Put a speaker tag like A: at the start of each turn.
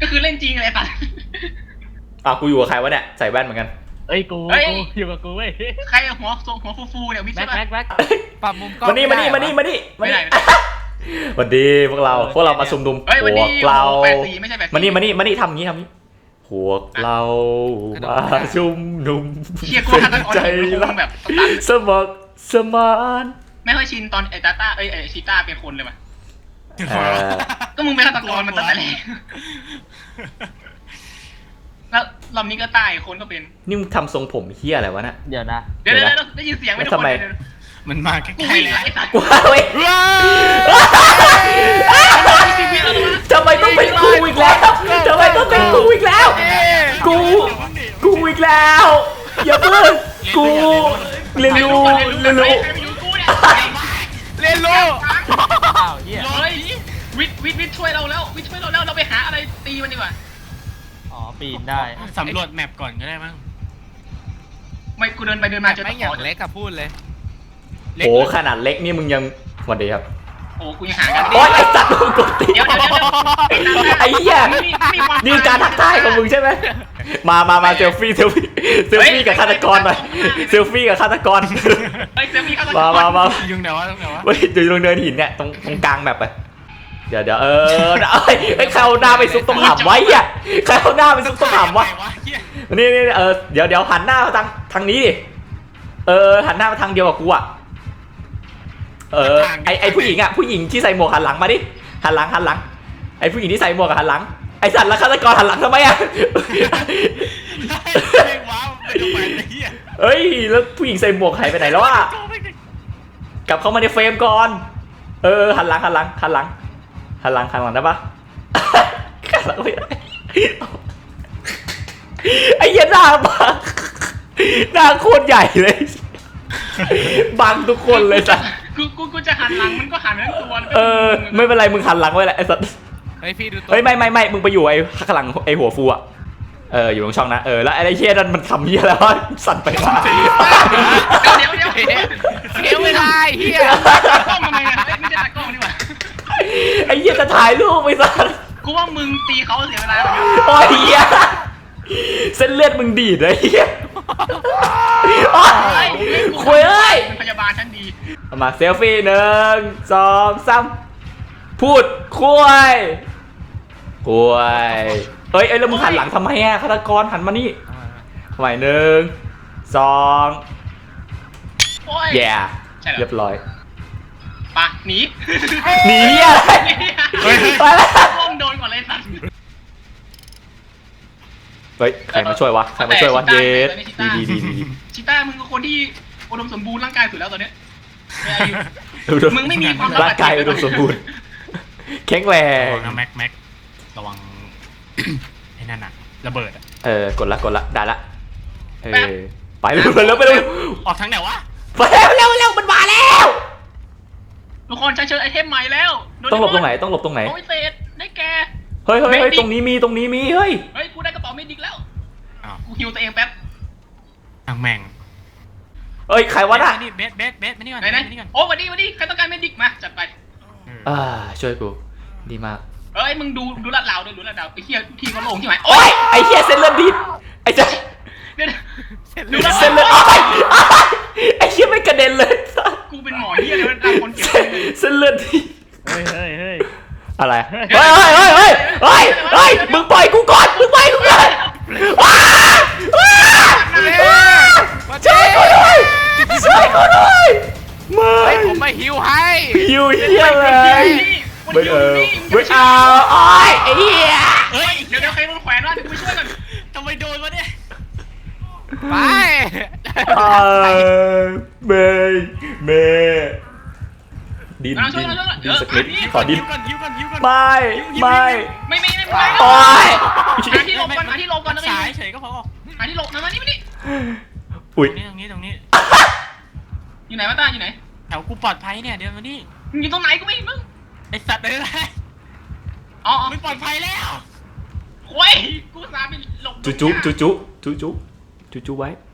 A: ก็คือเล่นจริงอะไรตัด
B: กูอยู่กับใครวะเนี่ยใส่แว่นเหมือนกัน
C: กูอยู่กับกูเว้ย
A: ใครหัวฟูเนี่ยวิทย์ใช่ปะ
C: แบ็คปรับมุมกล้อง
B: มานี่สวัสดีพวกเรามาซุ่มดุมพวกเรา
A: ไม่ใช่แบบ
B: มานี่ทำงี้พวกเรามาชุมนุม
A: ใจรักแบบ
B: สมัครสมาน
A: ไม่ค่อยชินตอนไอ้ตาต้าไอ้ชีต้าเป็นคนเลยว่ะก็มึงเป็นฆาตกรมันตั้งแต่แรกแล้วรอบนี้ก็ตายคนก็เป็น
B: นี่มึงทำทรงผมเฮี้ยอะไรวะน่ะ
C: เดี๋ยวนะ
A: ได้ยินเสียงไหมทุกคน
D: มันมาใกล้ๆเลย
B: กูเว้ยทำไมต้องเป็นกูอีกแล้วกูอีกแล้วอย่าเพิ่งกูเรียนรู้
A: วิทช่วยเราแล้วเราไปหาอะไรตีมันดีกว่า
C: ปีนได้
D: สำรวจแมปก่อนก็ได้มั้ง
A: ไม่กูเดินไปเดินมาเจอ
D: ไม่อย่างเล็กกับพูดเลย
B: โอ้ขนาดเล็กนี่มึงยังสวัสดีครับ
A: โอ้กูยังหากัน
B: โอ้ยไอ้สัตว์มึงกดตีไอ้เหี้ยนี่การทักทายของมึงใช่ไหมมาเซลฟี่กับฆาตกรหน่อยเซลฟี่กับฆาตกรมา
D: ยุงเดี๋ยว
B: เฮ้ยอยู่ตรงเนินหินเนี่ยตรงกลางแมปไปเดี๋ยวไอ้ใครเอาหน้าไปซุกตรงหำไว้อ่ะใครเอาหน้าไปซุกตรงหำวะนี่เดี๋ยวหันหน้ามาทางนี้ดิหันหน้ามาทางเดียวกับกูอ่ะไอผู้หญิงที่ใส่หมวกหันหลังมาดิหันหลังไอผู้หญิงที่ใส่หมวกหันหลังไอสัตว์แล้วฆาตกรหันหลังทำไมอ่ะเฮ้ยแล้วผู้หญิงใส่หมวกหายไปไหนแล้วอ่ะกลับเข้ามาในเฟรมก่อนหันหลังได้ปะหันหลังไม่ได้ไอ้ยันหน้าโคตรใหญ่เลยบังทุกคนเลยสัตว์
A: กูจะหันหลังมันก็หันทั้งตัว
B: ไม่เป็นไรมึงหันหลังไว้แหละไอ้สัตว์
D: พี่ดูตัว
B: ไม่มึงไปอยู่ไอ้ข้างหลังไอ้หัวฟูอ่ะอยู่ตรงช่องนะแล้วไอ้เชี่ยนั่นมันทำเหี้ยแล้วสั่นไปมา
A: เดี๋ยว
D: ไม่ได้เหี้ย
A: กล้องทำไมเนี่ยไม่ได้ตากล้องนี่หว่า
B: ไอ้เหี้ยจะถ่ายรูปไปสัตว์
A: กูว่ามึงตีเขาเสียเวลา
B: โอ้ยเหี้ยเส้นเลือดมึงดีดเลยเหี้ยคุย
A: เป็นพยาบาลชั้นดี
B: มาเซลฟี่1 2 3พูดคุยเฮ้ยแล้วมึงหันหลังทำไมอ่ะฆาตกรหันมานี่ทำไม1 2แย่เรียบร้อย
A: ปะหนี
B: อะไร
A: ไปล้มโดนก่อนเลยสัตว์
B: เฮ้ยใครมาช่วยวะเยสดี
A: ชิต้ามึงก็คนที่อุดมสมบูรณ์ร่างกายสุดแล้วตอนนี้มึงไม่มีความ
B: ร่างกายอุดมสมบูรณ์แข็งแรง
D: แม็กระวังไอ้นั่นน่ะระเบิด
B: กดละได้ละไปเร็ว
D: ออกทางไหนวะ
B: ไปเร็วมันมาแล้ว
A: ทุกคนใช้เชิญไอเทมใหม่แล้ว
B: ต้องหลบตรงไหน
A: โอ้ยเศษได้แก
B: เฮ้ยตรงนี้มีเฮ้ย
A: กูได้กระเป๋าเมดิกแล้วกูฮิวตัวเองแป๊บ
D: ทางแม่ง
B: ใครวะน่ะ
D: นี่เบสมานี่ก่อน
A: โอ้วันนี้ใครต้องการเมดิกมาจัดไป
B: ช่วยกูดีมาก
A: มึงดูลาดเราด้วยดูลาดเราไอ้เหี้ยที่เขาลงใช่ไหม
B: โอ้ยไอ้เหี้ยเส้นเลือดดีไอ้เจ้าดูเส้นเลือดไอ้เหี้ยไม่กระเด็นเลย
A: กูเป็นหมอเหี้ยเลยมันคนเก็บ
B: เส้นเลือดดี
C: เฮ้ย
B: อะไรเฮ้ยมึงปล่อยกูก่อนช่วยกูด้วย
D: ไม่ผมมาฮิวให้
B: ฮิวเหี้ยเลยไม่เอาไอ้เหี้ย
A: เดี๋ยวใครโดนแขวนวะเดี๋ยวกูไปช่วยก่อน
D: ทำไมโดนวะเนี่ยไป
B: เมดินสคริปต์ขอดินไม่
A: โอ้ยหาที่หลบก่อน
D: สายเฉยก็พอ
A: หาที่หลบมานี่
B: อุ้ย
D: ตรงนี้
A: อยู่ไหนวะต้าอยู่ไหน
D: แถวกูปลอดภัยเนี่ยเดี๋ยวมานี่
A: มึงอยู่ตรงไหนกูไม่เห็นมึง
D: ไอสัตว์อะไรไม่ปลอดภัยแล้ว
A: โอ้ยกูสาไปหลบ
B: จุไว้